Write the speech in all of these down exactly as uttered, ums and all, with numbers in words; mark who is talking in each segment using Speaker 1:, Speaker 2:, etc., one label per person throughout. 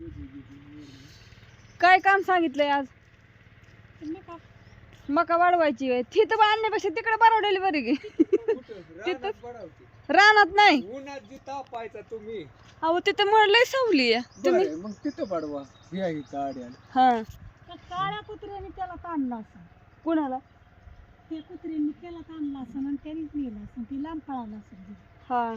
Speaker 1: काय काम सांगितलंय आज? मका वाढवायची आहे. तिथं पण आणण्यापेक्षा तिकडे बरवलेली बरी गे. रानात नाही
Speaker 2: उन्हात जी तापायचा तुम्ही.
Speaker 1: अहो तिथं म्हणलंय सावली आहे तुम्ही.
Speaker 2: मग तिथं पाडवा या इथं आड्याला.
Speaker 1: हा
Speaker 3: काळ्या कुत्र्याने त्याला ताणला असं.
Speaker 1: कुणाला?
Speaker 3: त्या कुत्र्याने त्याला ताणला असं आणि त्यानेच नेला असं. ती लांब पळाला असं.
Speaker 1: हा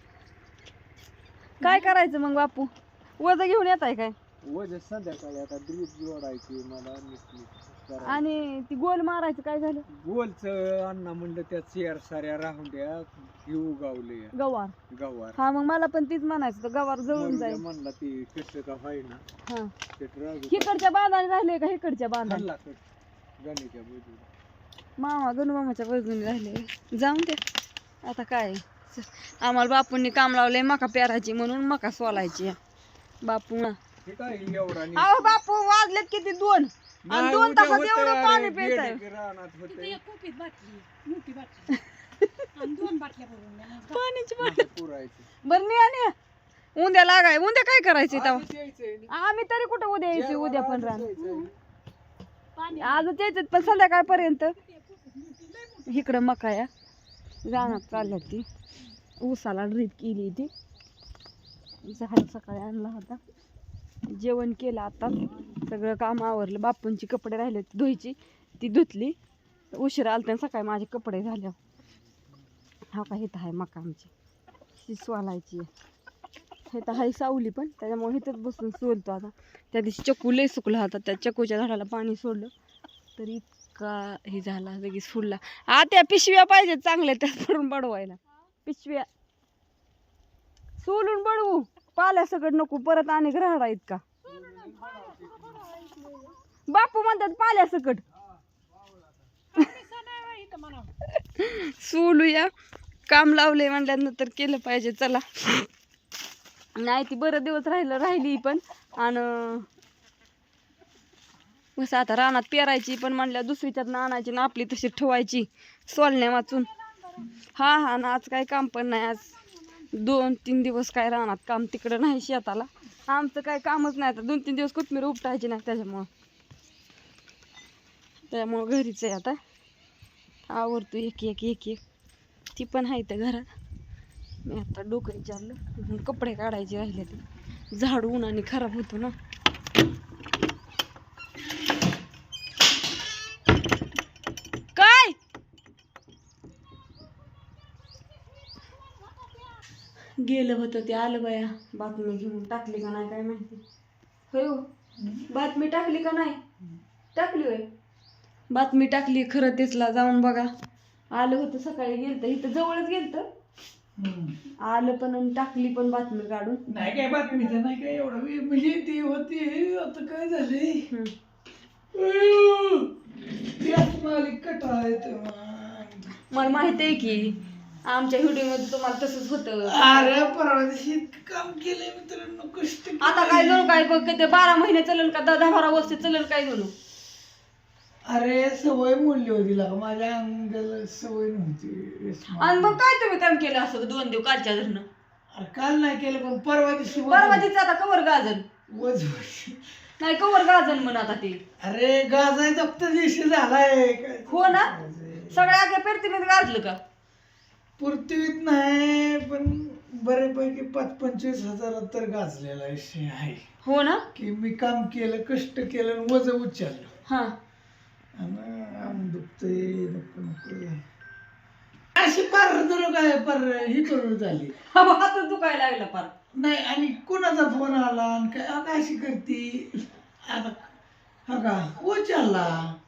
Speaker 1: काय करायचं मग बापू? वज घेऊन येत आहे काय?
Speaker 2: वजन संध्याकाळी आता ड्रीप जोडायची मला
Speaker 1: आणि ती गोल मारायचं काय झालं?
Speaker 2: गोलच अण्णा म्हणलं त्या चेअर साऱ्या राहून द्या हे उगावले
Speaker 1: गवार.
Speaker 2: गवार.
Speaker 1: हा मग मला पण तीच म्हणायचं तर गवार जळून जाईल
Speaker 2: म्हणला ती कसं का व्हायना.
Speaker 1: हा
Speaker 2: ते राहू
Speaker 1: इकडच्या बांधाने राहिले का इकडच्या बांधाने?
Speaker 2: खाल्ला कर गणीच्या बाजूला.
Speaker 1: मामा गणू मामाच्या बाजूने राहिले. जाऊन दे आता काय. आम्हाला बापूंनी काम लावलंय मका पेरायची म्हणून मका सोलायची. बापू ना
Speaker 2: हे काय एवढा नाही.
Speaker 1: अहो बापू वाजलेत किती दोन आणि दोन तासात एवढं पाणी पित आहे.
Speaker 2: रानात होते
Speaker 3: एक कुपीत बाटली मोठी बाटली आणि दोन बाटल्या भरून
Speaker 1: पाण्याची बाटली
Speaker 2: पुरायचं.
Speaker 1: बरं नाही आणि उद्या लागाय उद्या काय करायचं तेव्हा?
Speaker 2: आधीच यायचंय ना.
Speaker 1: आम्ही तरी कुठं उद्या यायची उद्या पण राहणार
Speaker 2: यायचंय.
Speaker 3: पाणी
Speaker 1: आजच यायचं पण संध्याकाळपर्यंत. इकडं मका या रानात चालल्या ती ऊसाला ड्रीप केली ती झाड सकाळी आणला होता. जेवण केलं आता सगळं काम आवरलं. बापूंची कपडे राहिले होते धुवायची ती धुतली. उशिरा आलते सकाळी माझे कपडे झाले. हा का इथं आहे मका आमची ती सोलायची. इथं हाय सावली पण त्याच्यामुळे इथंच बसून सोलतो आता. त्या दिवशी चक्कू लय सुकला होता त्या चक्कूच्या झाडाला पाणी सोडलं तरी इतका हे झाला लगेच फुलला. आ त्या पिशव्या पाहिजेत चांगल्या त्यात पडून बडवायला. पिशव्या सोलून बडवू पाल्या सगळं नको परत आणि राहडा इतका. बापू म्हणतात पाल्या सकट सोलूया. काम लावले म्हणल्यानंतर केलं पाहिजे. चला नाही ती बरं दिवस राहिलं राहिली पण आणि कसं आता रानात पेरायची पण म्हणल्या दुसरीच्यात आणायची ना आपली तशी ठेवायची सोलण्या वाचून. हा हा ना आज काय काम पण नाही. आज दोन तीन दिवस काय रानात काम तिकडं नाही शेताला. आमचं काय कामच नाही. आता दोन तीन दिवस कोथमीर उपटायची नाही त्याच्यामुळं त्यामुळं घरीच आहे आता. आवडतो एक एक एक एक ती पण आहे त्या घरात. मी आता डोकं विचारलं कपडे काढायचे राहिले ते झाड उन्हाने खराब होतो ना. काय गेलं होतं ते आलं बाया. बातमी घेऊन टाकली का नाही काय माहिती. होय हो बातमी टाकली का नाही? टाकली होय बातमी टाकली. खरं तेचला जाऊन बघा. आलं होतं सकाळी गेलं तर इथं जवळच गेलं तर आलं पण आणि टाकली पण बातमी काढून.
Speaker 4: नाही काय बातमीचं नाही काय एवढं म्हणजे ती होती. आता काय झाले कटाळ
Speaker 1: मला माहित आहे की आमच्या व्हिडिओ मध्ये तुम्हाला तसंच होतं.
Speaker 4: अरे परवा दिवशी इतकं काम केलंय मित्रांनो कष्ट.
Speaker 1: आता काय जणू काय बघ ते बारा महिने चलन का दहा बारा वर्ष चलन काय जणू.
Speaker 4: अरे सवय मोडली होती लागा माझ्या अंगाला सवय नव्हती.
Speaker 1: आणि मग काय तुम्ही काम केलं असं दोन दिवस कालच्या धरणं?
Speaker 4: अरे काल नाही केलं पण परवा दिवशी
Speaker 1: परवा तिचं आता कवर गाजन
Speaker 4: वज
Speaker 1: नाही कवर गाजन म्हण आता ते.
Speaker 4: अरे गाजायचा फक्त दिवशी झालाय काय
Speaker 1: हो ना सगळ्या आगे पेरतीने गाजलं का?
Speaker 4: पृथ्वीत नाही पण बऱ्यापैकी पाच पंचवीस हजारात तर गाजलेला विषय आहे.
Speaker 1: हो ना
Speaker 4: की मी काम केलं कष्ट केलं आणि वज उचललं.
Speaker 1: हा
Speaker 4: आणि आम दुखतंय नको नको अशी पार जर काय पार ही करून झाली.
Speaker 1: हात दुखायला लागला पार.
Speaker 4: नाही आणि कोणाचा फोन आला आणि काय अगं अशी करती आता हा का उचलला.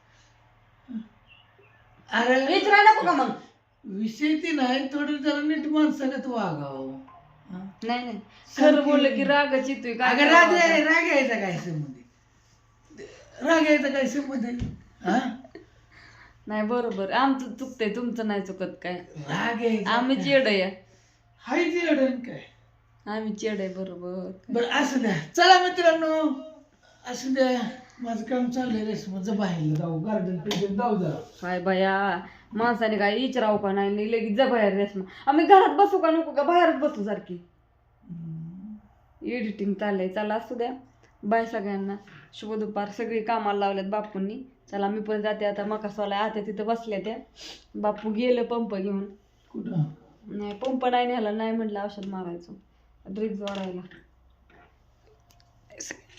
Speaker 4: अरे
Speaker 1: विचारायला नको का मग?
Speaker 4: विषय ती नाही थोडं जरा नीट माणसागत वागावं.
Speaker 1: नाही नाही खरं बोललं की रागच येतोय.
Speaker 4: अगं
Speaker 1: काय
Speaker 4: राग
Speaker 1: करावं?
Speaker 4: राग यायचा काय संबंध राग यायचा काय संबंध हा
Speaker 1: नाही बरोबर आमचं चुकतंय तुमचं नाही चुकत काय.
Speaker 4: राग यायचा
Speaker 1: आम्ही चेड आहे.
Speaker 4: हाय ते अडण काय
Speaker 1: आम्ही चेड आहे बरोबर.
Speaker 4: बरं असू द्या. चला मित्रांनो असू द्या माझं काम चाललंय रेशमाचं बाहेर जाऊ गार्डन पेजन जाऊ जरा.
Speaker 1: काय बाया माणसाने काय विचारावं का नाही लगेच जा बाहेर रेशमा. आम्ही घरात बसू का नको का बाहेरच बसू सारखी. एडिटिंग चाललंय. चला असू द्या बाय सगळ्यांना, शुभ दुपार. सगळी कामाला लावल्यात बापूंनी. चला मी पण जाते आता. मका सोला आता तिथं बसल्या त्या. बापू गेलं पंप घेऊन.
Speaker 4: कुठं
Speaker 1: नाही पंप नाही न्यायला, नाही म्हटलं औषध मारायचं ड्रिप जोडायला.